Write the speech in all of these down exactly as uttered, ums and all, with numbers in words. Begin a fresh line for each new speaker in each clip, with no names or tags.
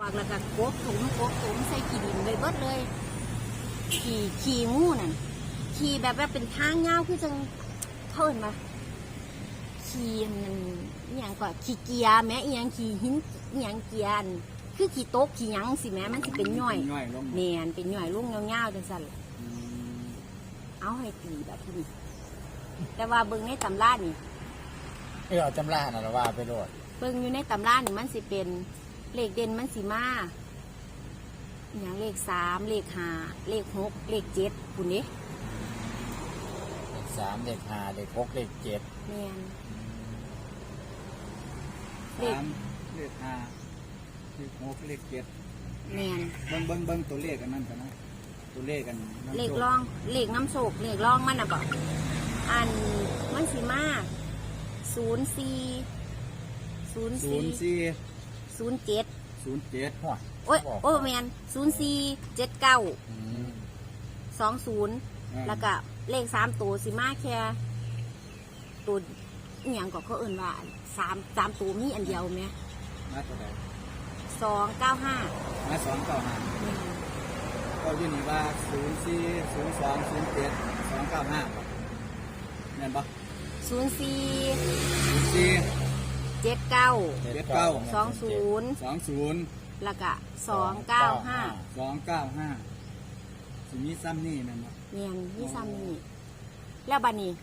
แล้วก็กบถุงกบถุงใส่ขี้ดินไปเบิดเลยขี่ขี่งูนั่นขี่แบบว่าเป็นทางเงาคือจังเพิ่นมาขี่มันอย่างก่อนขี่เกียร์แม้อีหยังขี่หินอีหยังเกียร์คือขี่โต๊ะขี่หยังสิแม้มันสิเป็นย่อยเนียนเป็นย่อยลุ่งเงาๆจังสั่นเอาให้ตีแบบที่นี่แต่ว่าเบิ่งในตำรานี่
เออเอาตำราน่ะว่าไปโลด
เบิ่งอยู่ในตำรานี่มันสิเป็นเลขเด่นมันสิมาอย่างเลขสามเลขห้าเลขหกเลขเจ็ดคุณนี่
เลขสามเลขห้าเลขหกเลขเจ็ด
แม่น
สามเลขห้าเลขหกเลขเจ็ด
แม่น
เบิ้งเบิ้งเบิ้งตัวเลขกันนั่นกันนะตัวเลขกัน
เลขร่องเลขน้ำโศกเลขร่องมันนะบอกอันมันสิมาศูนย์สี่ศูนย์สี่ศูนย์เจ็ด
ศูนย์เจ็ด
โอ้ยโอ้แมนศูนย์สี่เจ็ดเก้าสองศูนย์แล้วก็เลขสามตัวสิมาแค่ตัวอย่างก็เขาเอื่นว่าสามสามตัวมีอันเดียวไหม
มาตัวใด
สองเก้าห้า
มาสองเก้าห้าก็ยืนยันว่าศูนย์สี่ศูนย์สองศูนย์เจ็ดสองเก้าห้าเห็นปะ
ศูนย์สี่
ศูนย์สี่
เจ็ดเก้า
เจ็ดเก้า
สองศูนย์
สองศูนย์
แล้วก็สองเก้าห้า
สองเก้าห้าสิมีซ้ำนี่แม่นบ่
เนี่ยมีซ้ำนี่แล้วบัดนี้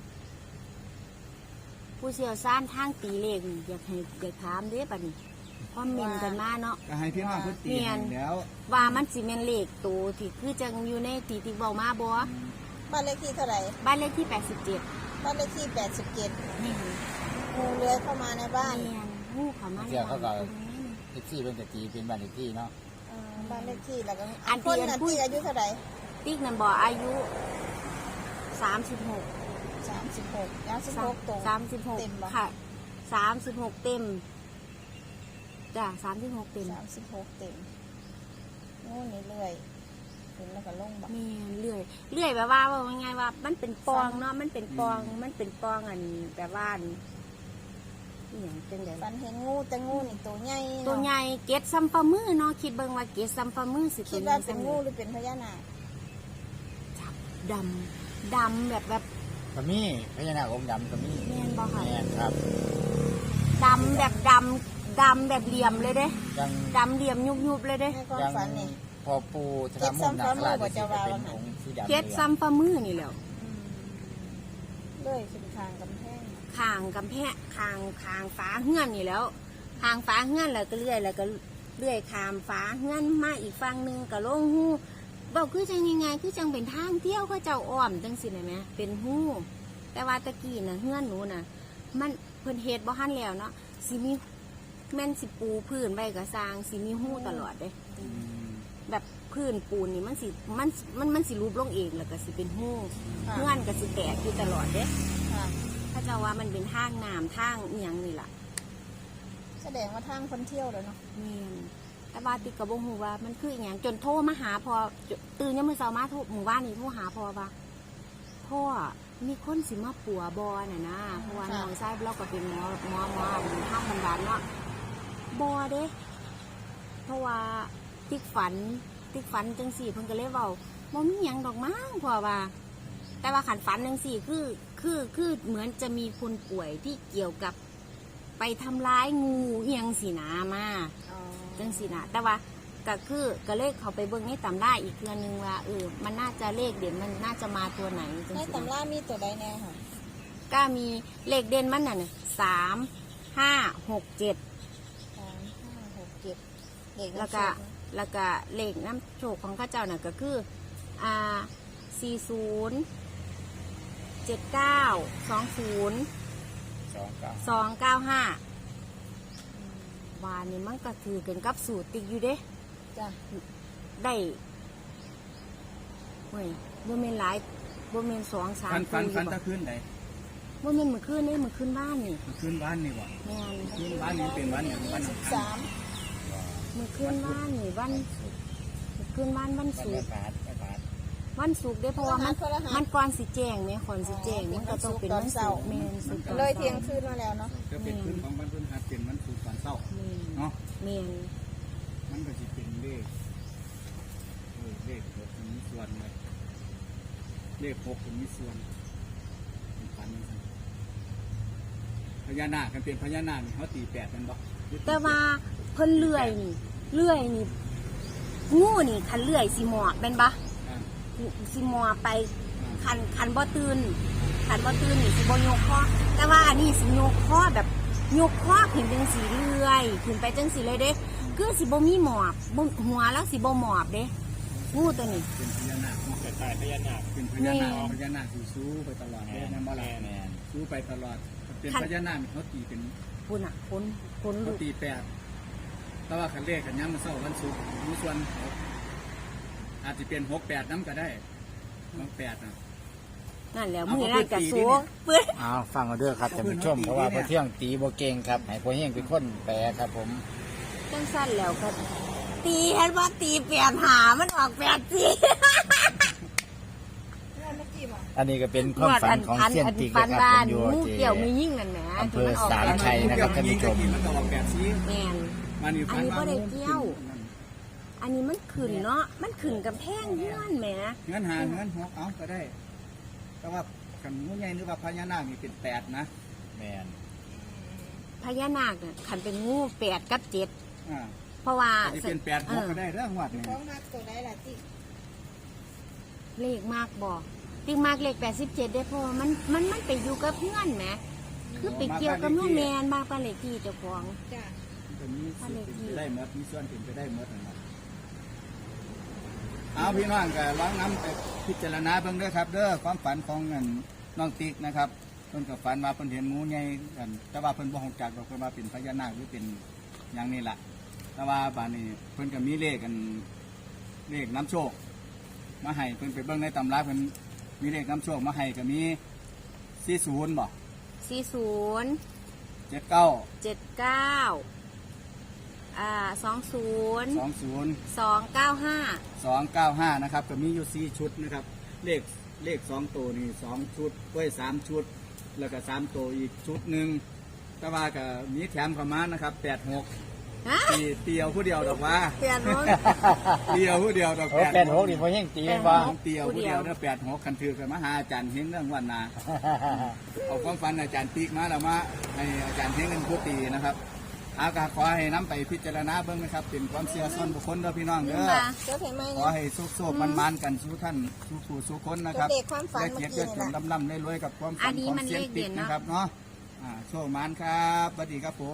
ผู้เชี่ยวชาญทางตีเลขอยากให้อยากถามเด้บัดนี้คอมเมนต์กันมาเนาะ
ก็ให้พี่น้องเพิ่นตีแล้ว
ว่ามันสิแม่นเลขตัวที่คือจังอยู่ในตีที่เว้ามาบ่
บ้านเลขที่เท่าไหร่
บ้านเลขที่แปดสิบเจ็ด
บ้านเลขที่แปดสิบเจ็ดนี่งูเลื้อยเข้ามาในบ้าน
งูเข้ามาใน
บ้านเขาก็เลขที่เป็นกะตีเป็นบ้านเลขที่เนาะ
บ้านเลขที่แล้วก็อันคนนั้นที่อายุเท่าไหร่
ติ๊กนั่นบ่อายุสามสิบหก
สามสิบหกแล้วสิบหกตรง
สามสิบหกค่ะสามสิบหกเต็มจ้ะสามสิบหกเต็ม
สามสิบหกเต็มงูนี่เลื่อยถึงแล้วก็ลงบ่
มีเลื่อยเลื่อยแบบว่าว่าไงว่ามันเป็นปองเนาะมันเป็นปองมันเป็นปองอันแบบว่าอย่างจังได๋
ฟันเห็นงูแต่งูนี่ตัวใหญ่
ตัวใหญ่เกศซ้ำฝ่ามือเนาะคิดเบิ่งว่าเกศซ้ำฝ่ามือสิ
คิดว่าเป็นงูหรือเป็นพญานาค
จับดำดำแบบแบบ
ก็มีพญานาคอมดำก็มี
แม่นบ่ค่ะ
แม่นครับ
ดำแบบดำดำแบบเหลี่ยมเลยเด้ดำเหลี่ยมยุบๆเลยเด้
ฝันนี่
พอปูทำมุมนักลาดจะเป็นองค์สีดำ
เกศซ้ำฝ่ามือนี่แหละ
เลื่อยขึ้นคางกำแพง
คางกำแพงคางคางฟ้าเฮือนนี่แล้วคางฟ้าเฮือนแล้วก็เลื่อยแล้วก็เลื่อยคามฟ้าเฮือนมาอีกฝั่งนึงก็ลงหูบอกคือจังยังไงคือจังเป็นทางเที่ยวเขาเจ้าอ้อมจังสิไหนไหมเป็นหูแต่ว่าตะกี้น่ะเฮือนหนูน่ะมันเพิ่นเฮ็ดบ่ทันแล้วเนาะสิมีแม่นสิปูพื้นใบกระซางสิมีหูตลอดเด้แบบพื้นปูนนี่มันสิมันมันมันสิรูปลงเองแล้วก็สิเป็นหูเฮือนก็สิแตกอยู่ตลอดเด้ถ้าจะว่ามันเป็นทางน้ำทางเอียงนี่แหละ
แสดงว่าทางคนเที่ยวเลยเนาะ
นี่แต่ว่าติกระบงหูว่ามันคืออย่างจนโทรมาหาพอตื่นยังมือเช้ามาโทรหมู่บ้านนี่โทรหาพอว่าพ่อมีคนสิมาปัวบอน่ะนะเพราะว่าน้องชายเราก็เป็นหมอหมอหมอทางบำบัดเนาะบอเด้เพราะว่าติ๊กฝันติ๊กฝันจังสี่เพิ่งก็เลยเว้าบ่มีหยังดอกมั้งพ่อว่าแต่ว่าขันฝันจังสี่คือคือคือเหมือนจะมีคนป่วยที่เกี่ยวกับไปทำร้ายงูเอียงสีนามาจังสีนาแต่ว่าก็คือก็เลขเขาไปเบิ่งในตำราอีกเทื่อนึงว่าเออมันน่าจะเลขเด่นมันน่าจะมาตัวไหน
ในตำรามีตัวใดแน่ค่ะ
ก็มีเลขเด่นมันน่ะเนี่ยสามห้าหกเจ็ด
สามห้าหกเจ็ด
แล้วก็แล้วก็เลขน้ำโชคของข้าเจ้าน่ะก็คืออ่าสี่ศูนย์เจ็ดเก้าสองศูนย์สองเก้าห้าวานนี่มันก็ถือกันกับสูตรติดอยู่เด้
จ้ะ
ได้เฮ้ยบ่แม่นหลายบ่แม่นสองสาม
ฟันฟันฟันตะคืนไหน
บ่แม่นมื้อคืนนี่มื้อคืนบ้านนี่
มื้อคืนบ้านนี่วะ
แม่น
คืนบ้านนี่เป็นวันอย่างวัน
สิบสาม
มื้อคืนบ้านนี่วันมื้อคืนบ้านวันศุกร์วันศุกร์ได้เพราะว่ามันมันก่อนสิแจ้งไหมก่อนสิแจ้งมันก็ต้องเป็นวันศุกร์แม่นศุกร์
เลยเที่ยงคืนมาแล้วเนาะ
ก็เป็นคืนของวันพฤหัสเป็นวันศุกร์ตอนเช้าเนาะ
แม่น
มันก็สิเป็นขเออเลขหกมีส่วนเลยเลขหกมีส่วนเป็นพันนะครับพญานาคกันเป็นพญานาคนี่เขาตีแปดกันบ่
แต่ว่าเพิ่นเลื่อยนี่เลื่อยนี่งูนี่คันเลื่อยสิหมอบเป็นปะ
อ่า
สิหมอบไป
อ่า
คันคันบ่ตื่นคันบ่ตื่นนี่สิบ่ยกคอแต่ว่าอันนี้สิยกคอแบบยกคอขึ้นจังสีเลื่อยขึ้นไปจังสีเลยเด้คือสิบ่มีหมอบบ่หัวแล้วสิบ่หมอบเด้งูตัวนี้
เป็นพญานาคเนาะ
แต่ตายพญานาค
เป็นพญานาคพญานาคสีสู้ไปตลอดเลยนะบ่ล่ะ
แม่น
สู้ไปตลอดเป็นพญานาคเขาตีเป็น
ปุ่นอ่ะคนคนลู
เขา
ก
ตีแปดแต่ว่าคันเลขกันย้ำมันเศร้าวันศุกร์มีส่วนหกอาจจะเป็นหกแปดน้ำก็ได้หกแปดนะ
นั่นแหล้ว
เอา
มือ
เขา
นั่น
ไป
กะ
ตี
สู
ดิเนี่ย
เปื้อน
เอาฟังเอาด้วยครับท่านผู้ชมเพราะว่าพอเที่ยงตีโบเก่งครับให้พอเที่ยงเป็นคนแปลครับผม
จังสั้นแล้วก็ตีเห็นว่าตีแปดหามันออกแปดสี่
อันนี้ก็เป็นความฝันของเซียนติก
ฟั
นะ
น
ครับ
บ้า
ผ
น
มอยู่
งู
ที่
เกี่ยวมียิ่งนั่นแหละ
อำเภอ
ที่นก
สามชัย นะครับท่านผู้ชม
มันก็ออกแบบสี
แม่น
มันอยู่
อันนี้บ่ได้เกี่ยว อันนี้มันขึ้นเนาะมันขึ้นกับแพงเงื่อนแหม
เงินหาเงินหกเอาก็ได้ แต่ว่าขันงูใหญ่หรือว่าพญานาคนี่เป็นแปดนะ
แมน
พญานาคเนี่ยขันเป็นงูแปดกับเจ็ด
อ่า
เพราะว่า
อาจจะเป็นแปดหกก็ได้เรื่องวัดนี่
ของมักตัวได้ล่ะจิ
เลขมากบอกติ๊กมากเลขแปดสิบเจ็ดได้เพราะว่ามันมันมันไปอยู่กับเพื่อนแหมคือไปเกี่ยวกับเงื่อนแมนมากปานเลขที่เจ้าของ
จ้ะ
มันมีส่วนเป็นไปได้หมดมีส่วนเป็นไปได้หมดนะครับเอาพี่น้องก็ลองน้ำไปพิจารณาเบิ่งเด้อครับ เด้อความฝันของเงินน้องติ๊กนะครับเพิ่นก็ฝันว่าเพิ่นเห็นงูใหญ่กันแต่ว่าเพิ่นบ่ฮู้จักดอกเพิ่นว่าเป็นพญานาคหรือเป็นอย่างนี้ล่ะ แต่ว่าบานนี้เพิ่นก็มีเลขกันเลขน้ำโชค มาให้เพิ่นไปเบิ่งในตำราเพิ่นมีเลขน้ำโชคมาให้ก็มีสี่ศูนย์บ่
สี่ศูนย์
เจ็ดเก้า
เจ็ดเก้าอ่าสองศูนย์
สองศูนย์
สองเก้าห้า
สองเก้าห้านะครับก็มีอยู่สี่ชุดนะครับ เลขเลขสองตัวนี่สองชุดไว้สามชุด แล้วก็สามตัวอีกชุดหนึ่งแต่ว่าก็มีแถมเข้ามานะครับแปดหก
ฮะ
ตีเตียวผู้เดียวดอกว่า
เปลี่ยนรถ
เตียวผู้เดียวดอก
โอ้แปดหกนี่พอเที่ยงตีเป็นว่า
เตียวผู้เดียวเนี่ยแปดหกคันถือกันมาหาอาจารย์เฮงเรื่องวันนา เอาความฝันอาจารย์ติ๊กมาแล้วมาให้อาจารย์เฮงเป็นผู้ตีนะครับอากาขอให้น้ำไปพิจารณาเบิ้งนะครับเป็นความเชื่อส่วนบุคคลเด้อพี่น้องเด้อ
เจ้าเห็นไหม
ขอให้สุขโศกมันมันๆกันสู้ท่านสู้ผู้สู้คนนะครับ
เด็กความฝัน
ได้
เมื่อ
เกียรติ
กี้
ยศ
นี่
จ
แหละ
นลำลำได้รวยกับความฝั
อั
น
นนี้
ของ
มัน
เซียน
เลขเด่
ติ๊ก
นเนอะ
นะครับเนาะอ่าโชคมันครับสวัสดีครับผม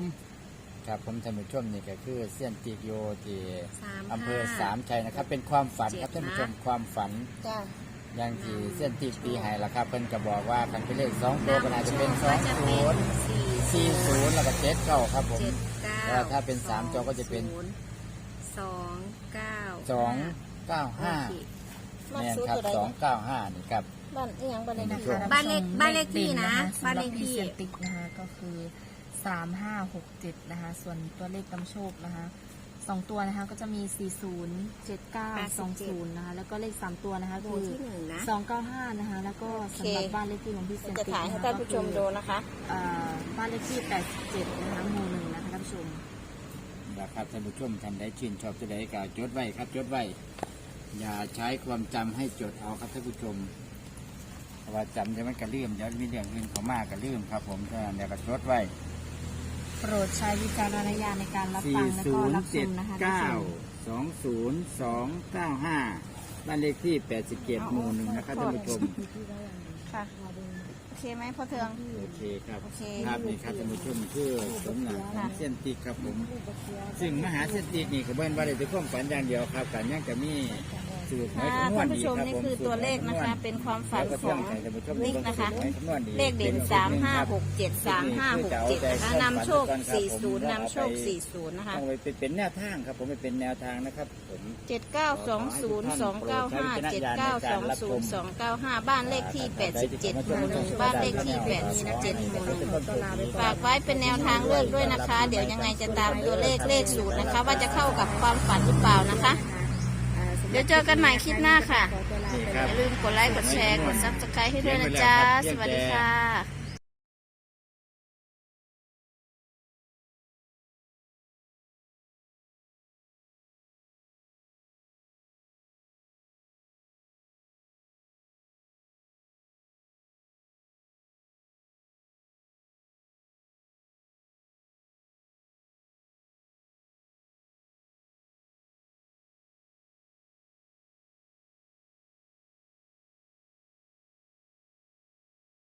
ครับผมท่านผู้ชมนี่ก็คือเซียนติกโยที่
สาม
อำเภอ
ห้า
สามชัยนะครับ เป็นความฝันครับ
เจ็
ท่า
ด
น
นะ
ผู้ชมความฝัน
จ้ะ
อย่างที่เซียนติกตีให้ละครับเพิ่นก็บอกว่าคันเป็นเลขสองตัวก็น่าจะเป็นสอง
จะ
ศู
เป็น
นย์
สี่
สี่ศูนย์แล้วก็เจ็ดเก้าครับผม
เจ็ดเก้า
แล้วถ้าเป็นสามจอก็จะเป็น
ศูย์สองเก้า
สองเก้าห้า
โอเค
มัก
แม่น
ซื้อ
ครับ
ตัวใด
สองเก้าห้านี่ครับ
บ้านอีหยังบ้านเลขที่
ครับ
บ้านเลขบ้านเลขที่นะบ้านเลขที่
เซียนติ๊กนะคะก็คือสามห้าหกเจ็ดนะคะส่วนตัวเลขนำโชคนะคะสองตัวนะคะก็จะมีสี่ศูนย์เจ็ดเก้าสองศูนย์นะคะแล้วก็เลขสามตัวนะคะ
โบ
คือ
ที่หนึ่งนะ
สองเก้าห้านะคะแล้วก็สำหรับบ้านเลขที่ของพี่เซียน
จะ
ติ๊ก
ถ่ายให้
นะคะ
ท่านผู้ชมดูนะคะ
เอ่อบ้านเลขที่แปดสิบเจ็ดนะคะหมู่หนึ่งนะคะท่านผู้ชม
นะครับท่านผู้ชมท่านใดชื่นชอบจะได้ก็จดไว้ครับจดไว้ อย่าใช้ความจำให้จดเอาครับท่านผู้ชมเพราะว่าจำจะมันกระลืมเดี๋ยวมีเรื่องอื่นเขามากกระลืมครับผมฉะนั้นเดี๋ยวก็จดไว้
โปรดใช้วิจารณญาณในการรับฟั
สี่
งและ
ศู
ก็
น
รั
ย์
บช
เจ็ด
มนะคะท่าน
เก้า
ผู้ชม
สองศูนย์สองเก้าห้าบ้านเลขที่แปดสิบเจ็ดหมู่หนึ่งนะครับท่านผู้ชม
ค่ะโอเคไหมพ่อเทือง
โอเคครับ
โอเค
ครับนี่ครับท่านผู้ชมคือสมหนักของเส้นติกครับผม ซึ่งมหาเส้นติกนี่ก็เบิ้นว่าได้แต่ความฝันอย่างเดียวครับการยังจะมีสูตรหมาย
ค่ะ
คำนวณ
ท่าน
ดี
ผู้ชม
ครับ
นี่
ผม
คือตัวเลขนะคะ เป็นความฝันของนิกนะคะ เลขเด่นสามห้าหกเจ็ดสามห้าหกเจ็ดนะคะนำโชคสี่ศูนย์นำโชคสี่ศูนย์นะคะ
ต้องไปเป็นแนวทางครับผมไปเป็นแนวทางนะครับผม
เจ็ดเก้าสองศูนย์สองเก้าห้าเจ็ดเก้าสองศูนย์สองเก้าห้าบ้านเลขที่แปดสิบเจ็ดหมู่หนึ่งบ้านเลขที่แปดนี้นะเจ็ดหมู่หนึ่งฝากไว้เป็นแนวทางเลือกด้วยนะคะ เดี๋ยวยังไงจะตามตัวเลขเลขสูตรนะคะ ว่าจะเข้ากับความฝันหรือเปล่านะคะ เดี๋ยวเจอกันใหม่คลิปหน้าค่ะ
นี่ค
อ
รับ
ย่าลืมกดไลค์กดแชร์กดซับสไครต์ให้ด้วยนะจ๊ะ สวัสดีค่ะ